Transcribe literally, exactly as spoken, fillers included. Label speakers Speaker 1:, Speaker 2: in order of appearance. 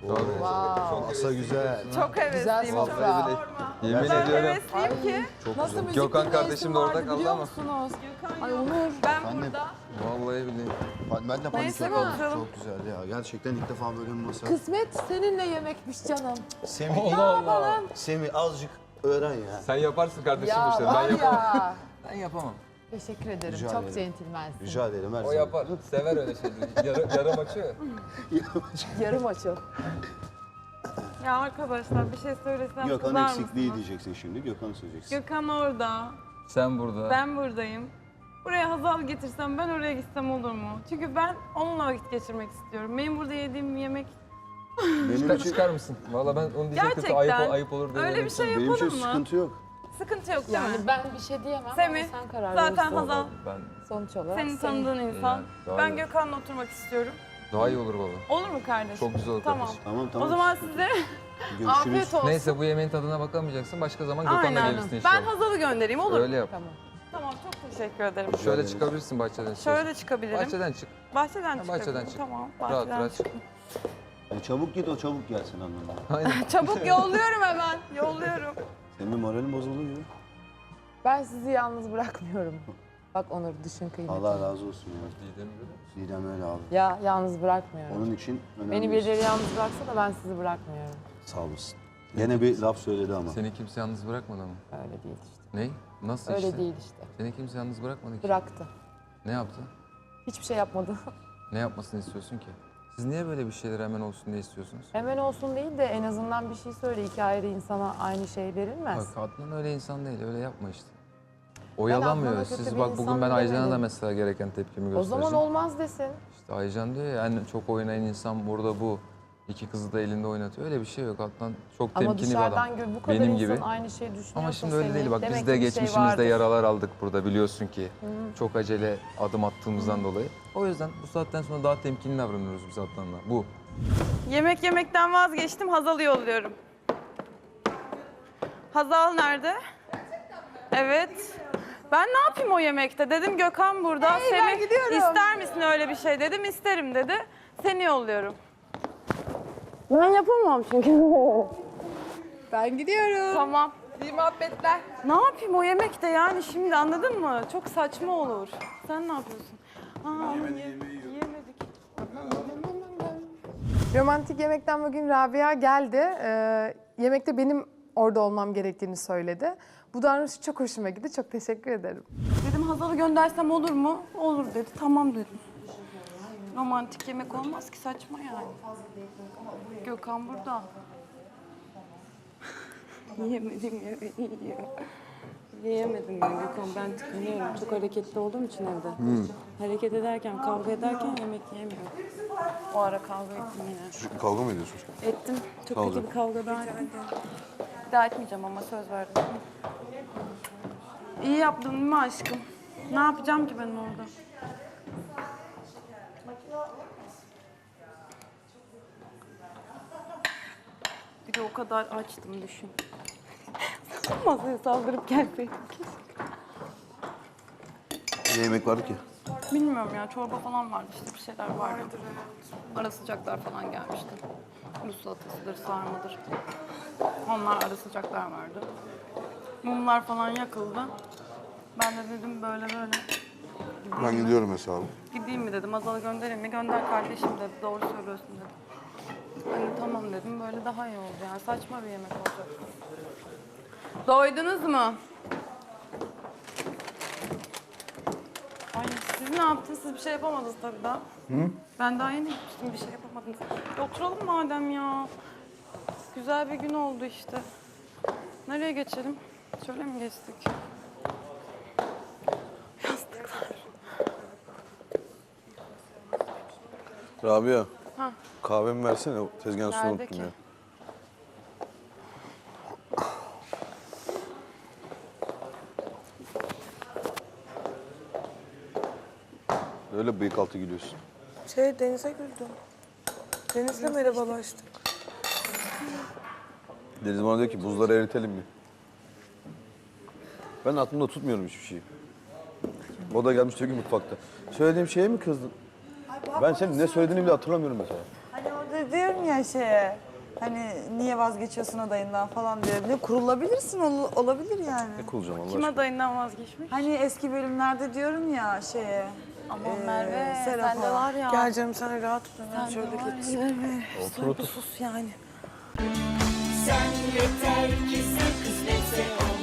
Speaker 1: Wow.
Speaker 2: Masa güzel.
Speaker 3: Çok hevesliyim.
Speaker 1: Güzel
Speaker 3: Çok
Speaker 1: sofra.
Speaker 4: Yemin
Speaker 3: Ben
Speaker 4: ediyorum.
Speaker 3: hevesliyim ki.
Speaker 1: Nasıl müzik
Speaker 4: Gökhan
Speaker 1: dinleyesim
Speaker 4: kardeşim de orada
Speaker 1: vardı
Speaker 4: kaldı
Speaker 1: biliyor
Speaker 4: ama.
Speaker 1: musunuz?
Speaker 3: Gökhan
Speaker 1: Ay
Speaker 3: yok.
Speaker 1: Onur.
Speaker 3: Ben
Speaker 2: Annem.
Speaker 3: burada.
Speaker 4: Vallahi billahi.
Speaker 2: Ben, ben de panik
Speaker 3: Neyse,
Speaker 2: yapıyorum.
Speaker 3: bakalım.
Speaker 2: Çok güzel ya. Gerçekten ilk defa böyle bir masa.
Speaker 1: Kısmet seninle yemekmiş canım.
Speaker 2: Semih,
Speaker 1: Ne yapalım?
Speaker 2: Semih azıcık öğren ya.
Speaker 4: Sen yaparsın kardeşim
Speaker 1: Ya
Speaker 4: bu işleri. Ben
Speaker 1: var
Speaker 4: yapamam.
Speaker 1: ya.
Speaker 4: Ben yapamam.
Speaker 1: Teşekkür ederim.
Speaker 2: Rica
Speaker 1: Çok
Speaker 2: ederim.
Speaker 1: centilmensin.
Speaker 2: Rica ederim her
Speaker 4: O
Speaker 2: zaman.
Speaker 4: yapar. Sever öyle şeyleri. Yarı, yarım açıyor.
Speaker 1: Yarım açıl.
Speaker 3: Ya arkadaşlar bir şey söylesem
Speaker 2: Gökhan
Speaker 3: kızar
Speaker 2: eksikliği
Speaker 3: mısınız?
Speaker 2: diyeceksin şimdi. Gökhan'ı söyleyeceksin.
Speaker 3: Gökhan orada.
Speaker 4: Sen burada.
Speaker 3: Ben buradayım. Buraya Hazal getirsem ben oraya gitsem olur mu? Çünkü ben onunla vakit geçirmek istiyorum. Benim burada yediğim yemek
Speaker 2: Benim
Speaker 4: Çıkar,
Speaker 2: için,
Speaker 4: çıkar mısın? Valla ben onu diyecektim.
Speaker 3: Gerçekten.
Speaker 4: Ayıp, ayıp olur diye.
Speaker 3: öyle bir şey
Speaker 2: benim
Speaker 3: yapalım
Speaker 2: için
Speaker 3: mı?
Speaker 2: sıkıntı yok.
Speaker 3: Sıkıntı yok değil
Speaker 1: Yani
Speaker 3: mi?
Speaker 1: ben bir şey diyemem
Speaker 3: Semih,
Speaker 1: ama sen karar
Speaker 3: zaten
Speaker 1: verirsin.
Speaker 3: Hazal
Speaker 4: Ben
Speaker 1: Sonuç olarak
Speaker 3: senin
Speaker 1: senin-
Speaker 3: tanıdığın insan.
Speaker 4: Yani, daha
Speaker 3: Ben
Speaker 4: iyi.
Speaker 3: Gökhan'la oturmak istiyorum.
Speaker 4: daha iyi olur valla.
Speaker 3: Olur mu kardeşim?
Speaker 4: Çok güzel olur
Speaker 3: Tamam.
Speaker 4: kardeşim.
Speaker 2: Tamam tamam.
Speaker 3: O zaman size
Speaker 2: Görüşürüz.
Speaker 1: Afiyet olsun.
Speaker 4: Neyse bu yemeğin tadına bakamayacaksın. Başka zaman Gökhan'la
Speaker 3: aynen.
Speaker 4: gelirsin inşallah.
Speaker 3: Ben Hazal'ı göndereyim olur mu?
Speaker 4: Öyle yap.
Speaker 1: Tamam.
Speaker 3: Tamam çok teşekkür ederim.
Speaker 4: Şöyle
Speaker 2: ederiz.
Speaker 4: çıkabilirsin bahçeden.
Speaker 3: Şöyle çıkabilirim.
Speaker 4: Bahçeden çık.
Speaker 3: Bahçeden
Speaker 4: Ha,
Speaker 3: çıkabilirim.
Speaker 4: bahçeden çık.
Speaker 3: Tamam.
Speaker 4: Rahat
Speaker 3: Bahçeden
Speaker 4: rahat çık.
Speaker 3: çık.
Speaker 2: Yani çabuk git o çabuk gelsin anlamında.
Speaker 4: Aynen.
Speaker 3: Çabuk yolluyorum hemen. Yolluyorum.
Speaker 2: Senin moralim bozuluyor.
Speaker 1: Ben sizi yalnız bırakmıyorum. Bak Onur düşün kıymetini.
Speaker 2: Allah razı olsun ya.
Speaker 4: Didem'i görüyor musun?
Speaker 2: Didem öyle abi.
Speaker 1: Ya yalnız bırakmıyorum.
Speaker 2: Onun için önemli.
Speaker 1: Beni birileri yalnız bıraksa da ben sizi bırakmıyorum.
Speaker 2: Sağ olasın. Gene bir laf söyledi ama.
Speaker 4: Seni kimse yalnız bırakmadı ama.
Speaker 1: Öyle değil işte.
Speaker 4: Ne? Nasıl
Speaker 1: Öyle
Speaker 4: işte?
Speaker 1: değil işte.
Speaker 4: Seni kimse yalnız bırakmadı ki.
Speaker 1: Bıraktı.
Speaker 4: Ne yaptı?
Speaker 1: Hiçbir şey yapmadı.
Speaker 4: Ne yapmasını istiyorsun ki? Siz niye böyle bir şeyler hemen olsun diye istiyorsunuz?
Speaker 1: Hemen olsun değil de en azından bir şey söyle. İki ayrı insana aynı şey verilmez.
Speaker 4: Bak Adnan öyle insan değil, öyle yapma işte. Oyalamıyor.
Speaker 1: Adnan'a kötü
Speaker 4: Siz
Speaker 1: bir
Speaker 4: bak
Speaker 1: insan
Speaker 4: bugün ben Aycan'a da
Speaker 1: demedim.
Speaker 4: mesela gereken tepkimi
Speaker 1: O
Speaker 4: göstereceğim.
Speaker 1: zaman olmaz desin.
Speaker 4: İşte Aycan diyor ya en çok oynayan insan burada bu. İki kızı da elinde oynatıyor. Öyle bir şey yok. Adnan çok
Speaker 1: Ama
Speaker 4: temkinli bir adam.
Speaker 1: dışarıdan gör bu kadar
Speaker 4: Benim
Speaker 1: insan
Speaker 4: gibi.
Speaker 1: aynı şeyi düşünüyorsa
Speaker 4: Ama şimdi öyle
Speaker 1: seni,
Speaker 4: değil. Bak
Speaker 1: demek
Speaker 4: biz de
Speaker 1: ki bir şey
Speaker 4: geçmişimizde
Speaker 1: vardır.
Speaker 4: yaralar aldık burada biliyorsun ki. Çok acele adım attığımızdan dolayı. O yüzden bu saatten sonra daha temkinli davranıyoruz biz Adnan'la. Bu.
Speaker 3: Yemek yemekten vazgeçtim. Hazal'ı yolluyorum. Hazal nerede? Evet. Ben ne yapayım o yemekte? Dedim Gökhan burada.
Speaker 1: Hey, ben gidiyorum.
Speaker 3: İster misin öyle bir şey dedim. İsterim dedi. Seni yolluyorum. Ben yapamam çünkü.
Speaker 1: Ben gidiyorum.
Speaker 3: Tamam.
Speaker 1: İyi muhabbetler.
Speaker 3: Ne yapayım o yemekte yani şimdi anladın mı? Çok saçma olur. Sen ne yapıyorsun? Aa, ama ye- yiyemedik.
Speaker 5: Romantik yemekten bugün Rabia geldi. Ee, yemekte benim orada olmam gerektiğini söyledi. Bu davranışı çok hoşuma gitti. Çok teşekkür ederim.
Speaker 3: Dedim Hazal'ı göndersem olur mu? Olur dedi. Tamam dedim. Romantik yemek olmaz ki saçma yani. Gökhan burada. Yiyemedim ya. Yiyor. Yiyemedim ben Gökhan. Ben tıkanıyorum. Çok hareketli olduğum için evde. Hareket ederken, kavga ederken yemek yiyemiyorum. O ara kavga ettim yine.
Speaker 2: Kavga mı ediyorsunuz?
Speaker 3: Ettim. Çok
Speaker 2: Kavga.
Speaker 3: kötü bir kavga daha ettim. Bir daha etmeyeceğim ama söz verdim. İyi yaptın değil mi aşkım? Ne yapacağım ki ben orada? Bir de o kadar açtım düşün. Masaya saldırıp gelseydim keşke.
Speaker 2: Ne yemek vardı ki?
Speaker 3: Bilmiyorum ya çorba falan vardı işte bir şeyler vardı. Ara sıcaklar falan gelmişti. Rus salatasıdır, sarmadır. Onlar ara sıcaklar vardı. Mumlar falan yakıldı. Ben de dedim böyle böyle.
Speaker 6: Ben gidiyorum hesabı.
Speaker 3: Gideyim mi dedim, Azal'ı göndereyim mi? Gönder kardeşim dedi, doğru söylüyorsun dedi. Hani tamam dedim, böyle daha iyi oldu yani. Saçma bir yemek olacak. Doydunuz mu? Ay siz ne yaptınız? Siz bir şey yapamadınız tabii daha. Hı? Ben daha yeni gitmiştim, bir şey yapamadınız. E, oturalım madem ya. Güzel bir gün oldu işte. Nereye geçelim? Şöyle mi geçtik? Yastıklar.
Speaker 6: Rabia,
Speaker 3: Ha.
Speaker 6: kahvemi versene. O tezgahın üstüne
Speaker 3: Nerede
Speaker 6: unuttum
Speaker 3: ki?
Speaker 6: ya. Öyle bıyık altı gülüyorsun.
Speaker 7: Şey Deniz'e güldüm. Deniz'le merhabalaştık.
Speaker 6: Deniz bana diyor ki buzları eritelim mi? Ben aklımda tutmuyorum hiçbir şeyi. O da gelmiş diyor ki mutfakta. Söylediğim şeye mi kızdın? Ben senin ne söylediğini bile hatırlamıyorum mesela.
Speaker 7: Hani orada
Speaker 8: de diyorum ya şeye. Hani niye vazgeçiyorsun adayından falan diye. Ne kurulabilirsin ol- olabilir yani.
Speaker 6: Ne kulacağım Allah
Speaker 3: Kim
Speaker 6: aşkına?
Speaker 3: adayından vazgeçmiş?
Speaker 8: Hani eski bölümlerde diyorum ya şeye.
Speaker 3: Aman
Speaker 8: Ee,
Speaker 3: Merve,
Speaker 8: Serap'a.
Speaker 3: sen de var ya.
Speaker 7: Gel canım sen rahat ol. Ben
Speaker 3: Sen de
Speaker 7: şöyle
Speaker 3: var ya.
Speaker 7: geçeyim.
Speaker 6: Otur otur.
Speaker 7: Sus yani.
Speaker 9: Sen yeter ki sen kısmetse ol.